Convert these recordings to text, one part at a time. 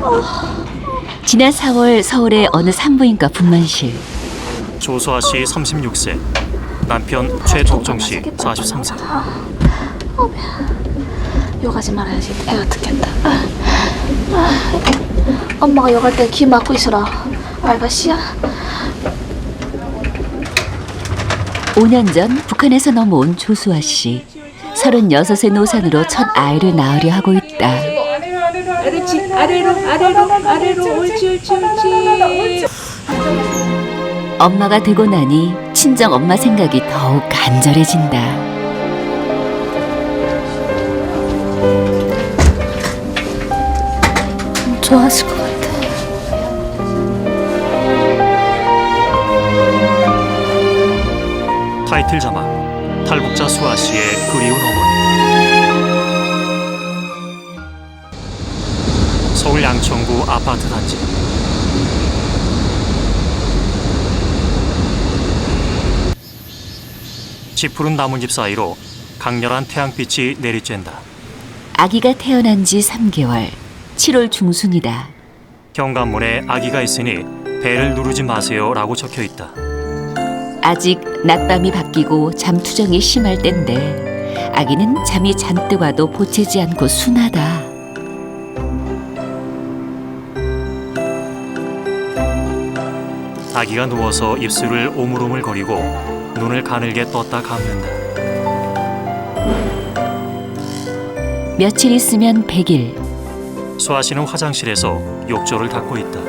지난 4월 서울의 어느 산부인과 분만실. 조수아 씨 36세, 남편 최덕종 씨 43세. 욕하지 말아야지. 애가 듣겠다. 엄마가 욕할 때 귀 막고 있어라. 알바씨야. 5년 전 북한에서 넘어온 조수아 씨. 36의 노산으로 첫 아이를 낳으려 하고 있다. 아래로 옳지. 엄마가 되고 나니 친정 엄마 생각이 더욱 간절해진다. 좋아하실 것 같아. 타이틀 자막, 탈북자 수아 씨의 그리운 어머니. 서울 양천구 아파트 단지. 짙푸른 나뭇잎 사이로 강렬한 태양빛이 내리쬐다. 아기가 태어난 지 3개월. 7월 중순이다. 현관문에 아기가 있으니 배를 누르지 마세요 라고 적혀 있다. 아직 낮밤이 바뀌고 잠투정이 심할 땐데 아기는 잠이 잔뜩 와도 보채지 않고 순하다. 아기가 누워서 입술을 오물오물거리고 눈을 가늘게 떴다 감는다. 며칠 있으면 100일. 수아 씨는 화장실에서 욕조를 닦고 있다.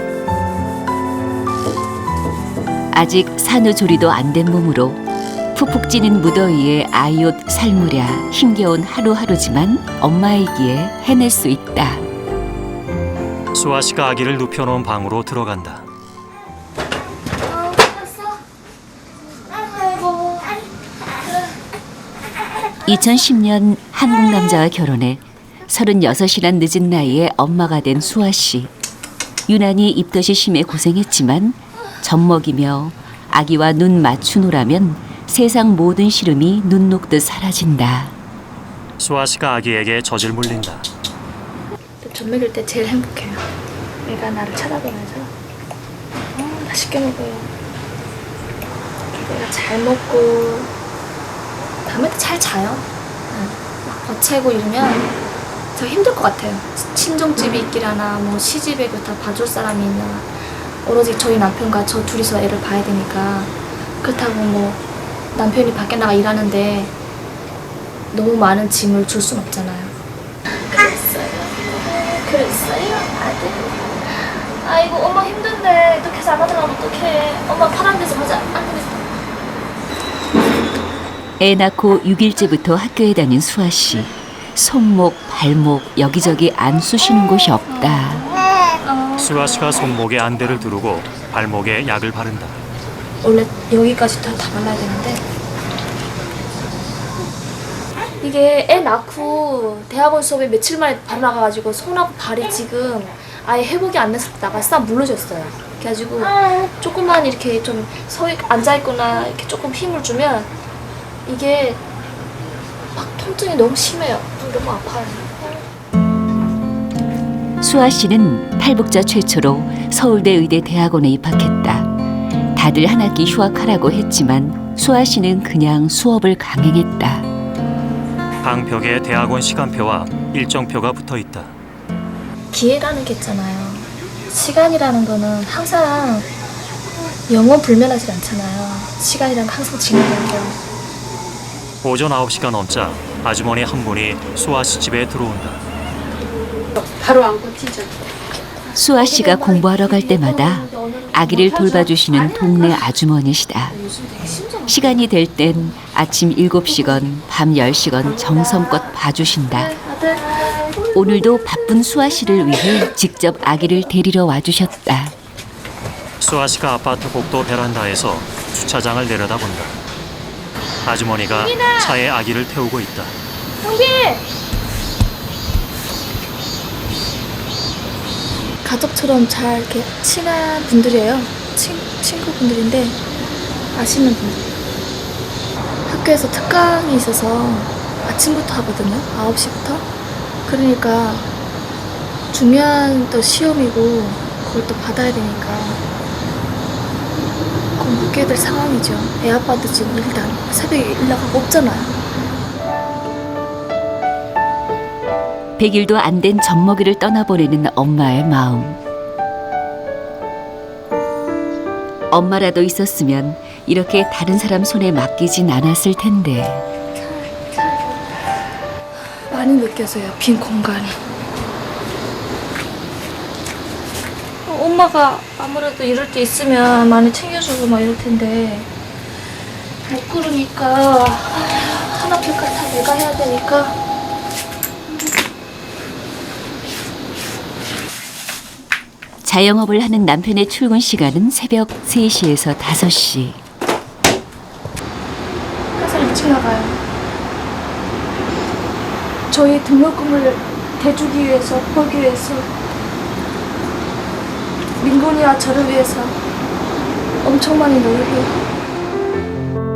아직 산후조리도 안 된 몸으로 푹푹 찌는 무더위에 아이 옷 살무랴 힘겨운 하루하루지만 엄마이기에 해낼 수 있다. 수아 씨가 아기를 눕혀놓은 방으로 들어간다. 2010년 한국 남자와 결혼해 36이란 늦은 나이에 엄마가 된 수아 씨. 유난히 입덧이 심해 고생했지만 젖 먹이며 아기와 눈 맞추노라면 세상 모든 시름이 눈 녹듯 사라진다. 수아 씨가 아기에게 젖을 물린다. 젖 먹일 때 제일 행복해요. 얘가 나를 쳐다보면서 맛있게 먹어요. 얘가 잘 먹고 밤에도 잘 자요. 막 거체고 이러면 더 힘들 것 같아요. 친정집이 있기라나 뭐 시집에 다 봐줄 사람이 있나 오로지 저희 남편과 저 둘이서 애를 봐야 되니까. 그렇다고 뭐 남편이 밖에 나가 일하는데 너무 많은 짐을 줄 순 없잖아요. 그랬어요 아들. 아이고 엄마 힘든데 이렇게 해서 안 하더라면 어떡해. 엄마 파란 데서 가자. 안 되겠다. 애 낳고 6일째부터 학교에 다닌 수아 씨. 손목, 발목 여기저기 안 쑤시는 곳이 없다. 수아 씨가 손목에 안대를 두르고 발목에 약을 바른다. 원래 여기까지 다 발라야 되는데 이게 애 낳고 대학원 수업에 며칠 만에 바로 나가가지고 손하고 발이 지금 아예 회복이 안 돼서 나가 싹 물러졌어요. 그래가지고 조금만 이렇게 좀 앉아있거나 이렇게 조금 힘을 주면 이게 막 통증이 너무 심해요. 너무 아파요. 수아 씨는 탈북자 최초로 서울대 의대 대학원에 입학했다. 다들 한 학기 휴학하라고 했지만 수아 씨는 그냥 수업을 강행했다. 방벽에 대학원 시간표와 일정표가 붙어 있다. 기회라는 게 있잖아요. 시간이라는 거는 항상 영원 불면하지 않잖아요. 시간이란 게 항상 진행돼요. 오전 9시가 넘자 아주머니 한 분이 수아 씨 집에 들어온다. 바로 안고 튀죠. 수아 씨가 공부하러 갈 때마다 아기를 돌봐주시는 동네 아주머니시다. 시간이 될 땐 아침 7시건 밤 10시건 정성껏 봐주신다. 오늘도 바쁜 수아 씨를 위해 직접 아기를 데리러 와주셨다. 수아 씨가 아파트 복도 베란다에서 주차장을 내려다본다. 아주머니가 차에 아기를 태우고 있다. 형빈! 가족처럼 잘 이렇게 친한 분들이에요. 친구분들인데 아시는 분들. 학교에서 특강이 있어서 아침부터 하거든요. 9시부터. 그러니까 중요한 또 시험이고 그걸 또 받아야 되니까 그건 못 깨달 상황이죠. 애 아빠도 지금 일단 새벽에 연락하고 없잖아요. 100일도 안 된 젖먹이를 떠나보내는 엄마의 마음. 엄마라도 있었으면 이렇게 다른 사람 손에 맡기진 않았을 텐데. 많이 느껴져요. 빈 공간이. 엄마가 아무래도 이럴 때 있으면 많이 챙겨주고 막 이럴 텐데 못 그러니까 하나둘까 다 내가 해야 되니까. 자영업을 하는 남편의 출근 시간은 새벽 3시에서 5시. 항상 일찍 나가요. 저희 등록금을 대주기 위해서, 벌기 위해서, 민곤이와 저를 위해서 엄청 많이 노력해요.